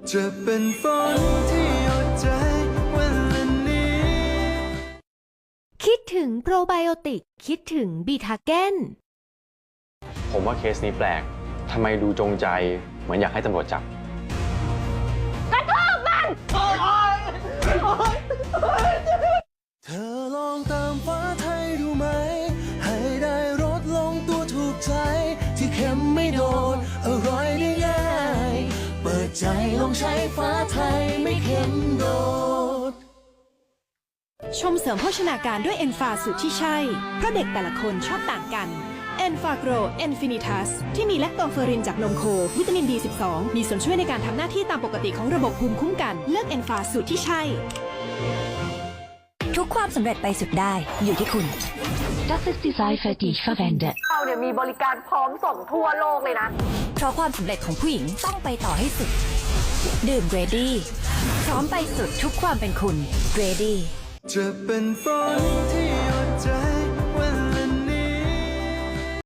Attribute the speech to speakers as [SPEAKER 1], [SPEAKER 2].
[SPEAKER 1] จะเป็นฝนที่หยดใจวันละนี้
[SPEAKER 2] คิดถึงโปรไบโอติกคิดถึงบีทาเกน
[SPEAKER 3] ผมว่าเคสนี้แปลก ทำไมดูจงใจเหมือนอยากให้ตำรวจจับ
[SPEAKER 1] เธอลองตามฟ้าไทยดูไหมให้ได้รสลงตัวถูกใจที่เค็มไม่โดนอร่อยได้ง่ายเปิดใจลองใช้ฟ้าไทยไม่เค็มโดด
[SPEAKER 4] ชมเสริมโภชนาการด้วยเอนฟาสูตรที่ใช่ เพราะเด็กแต่ละคนชอบต่างกันเอนฟาโกรเอนฟินิทัสที่มีแลคโตเฟอรินจากนมโค วิตามิน B12 มีส่วนช่วยในการทำหน้าที่ตามปกติของระบบภูมิคุ้มกัน เลือกเอนฟาสูตรที่ใช่
[SPEAKER 5] ทุกความสำเร็จไปสุดได้อยู่ที่คุณ Das ist die Seife, die ich verwende
[SPEAKER 6] เราเนี่ยมีบริการพร้อมส่งทั่วโลกเลยนะ
[SPEAKER 5] เพราะความสำเร็จของผู้หญิงต้องไปต่อให้สุด ดื่ม Grady พร้อมไปสุดทุกความเป็นคุณ Grady
[SPEAKER 1] จะเป็นฝนที่หยดใจ